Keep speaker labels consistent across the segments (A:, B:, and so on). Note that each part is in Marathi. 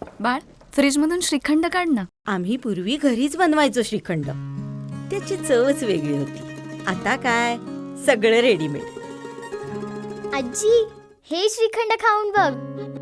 A: बाळ, फ्रीजमधून श्रीखंड काढ ना.
B: आम्ही पूर्वी घरीच बनवायचो श्रीखंड. त्याची चवच वेगळी होती. आता काय सगळं रेडीमेड.
C: आजी, हे श्रीखंड खाऊन बघ.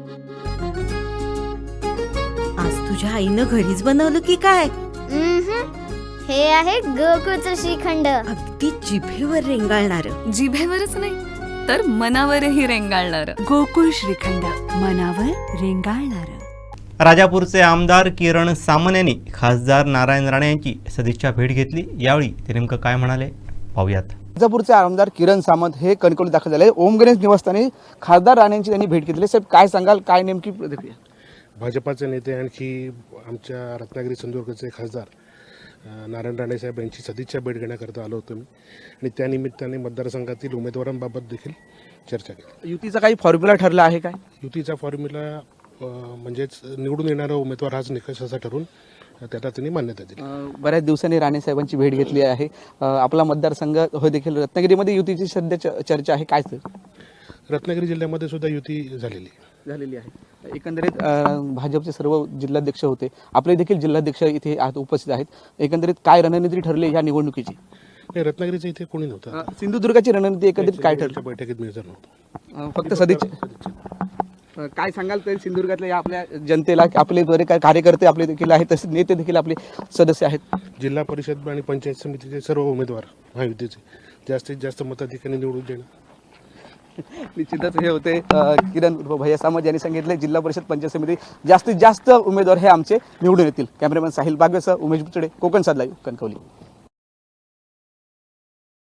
B: आज तुझ्या आईनं घरीच बनवलं की काय?
C: हे आहे गोकुळचं श्रीखंड.
B: अगदी जिभेवर रेंगाळणार.
A: जिभेवरच नाही तर मनावरही रेंगाळणार.
D: गोकुळ श्रीखंड, मनावर रेंगाळणार.
E: राजापूरचे आमदार किरण सामंत यांनी खासदार नारायण राणे यांची सदिच्छा भेट घेतली. यावेळी ते नेमकं काय म्हणाले पाहूयात.
F: राजापूरचे आमदार किरण सामंत हे कणकवलीत दाखल झाले. ओम गणेश निवासस्थानी खासदार राणेंची त्यांनी भेट घेतली. साहेब, काय सांगाल, काय नेमकी प्रतिक्रिया?
G: भाजपाचे नेते आणखी आमच्या रत्नागिरी सिंधुदुर्गचे खासदार नारायण राणे साहेब यांची सदिच्छा भेट घेण्याकरता आलो होतो मी, आणि त्यानिमित्ताने मतदारसंघातील उमेदवारांबाबत देखील चर्चा केली.
F: युतीचा काही फॉर्म्युला ठरला आहे काय?
G: युतीचा फॉर्म्युला म्हणजेच निवडून येणारा उमेदवार हाच निकष असा ठरून त्याला त्यांनी मान्यता दिली.
F: बऱ्याच दिवसांनी राणे साहेबांची भेट घेतली आहे. आपला मतदारसंघ हो देखील रत्नागिरीमध्ये युतीची सध्या चर्चा आहे. काय
G: रत्नागिरी जिल्ह्यामध्ये सुद्धा युती झालेली आहे.
F: एकंदरीत भाजपचे सर्व जिल्हाध्यक्ष होते, आपले देखील जिल्हाध्यक्ष इथे उपस्थित आहेत. एकंदरीत काय रणनीती ठरली या निवडणुकीची?
G: रत्नागिरीचं इथे कोणी नव्हतं.
F: सिंधुदुर्गाची रणनीती एकंदरित काय ठरली?
G: बैठकीत मी हजर नव्हतो.
F: फक्त सदिच्छा. काय सांगाल तर सिंधुदुर्गातल्या आपल्या जनतेला, आपले बरे काय कार्यकर्ते आपले देखील आहेत, तसेच नेते देखील आपले सदस्य आहेत.
G: जिल्हा परिषद आणि पंचायत समितीचे सर्व उमेदवार महायुतीचे जास्तीत जास्त मताधिकाऱ्यांनी निवडून देणं.
F: निश्चितच हे होते किरण भैया सामंत यांनी सांगितले, जिल्हा परिषद पंचायत समिती जास्तीत जास्त उमेदवार हे आमचे निवडून येतील. कॅमेरामॅन साहिल बागवेसह उमेश बुचडे, कोकण सात लाईव्ह, कणकवली.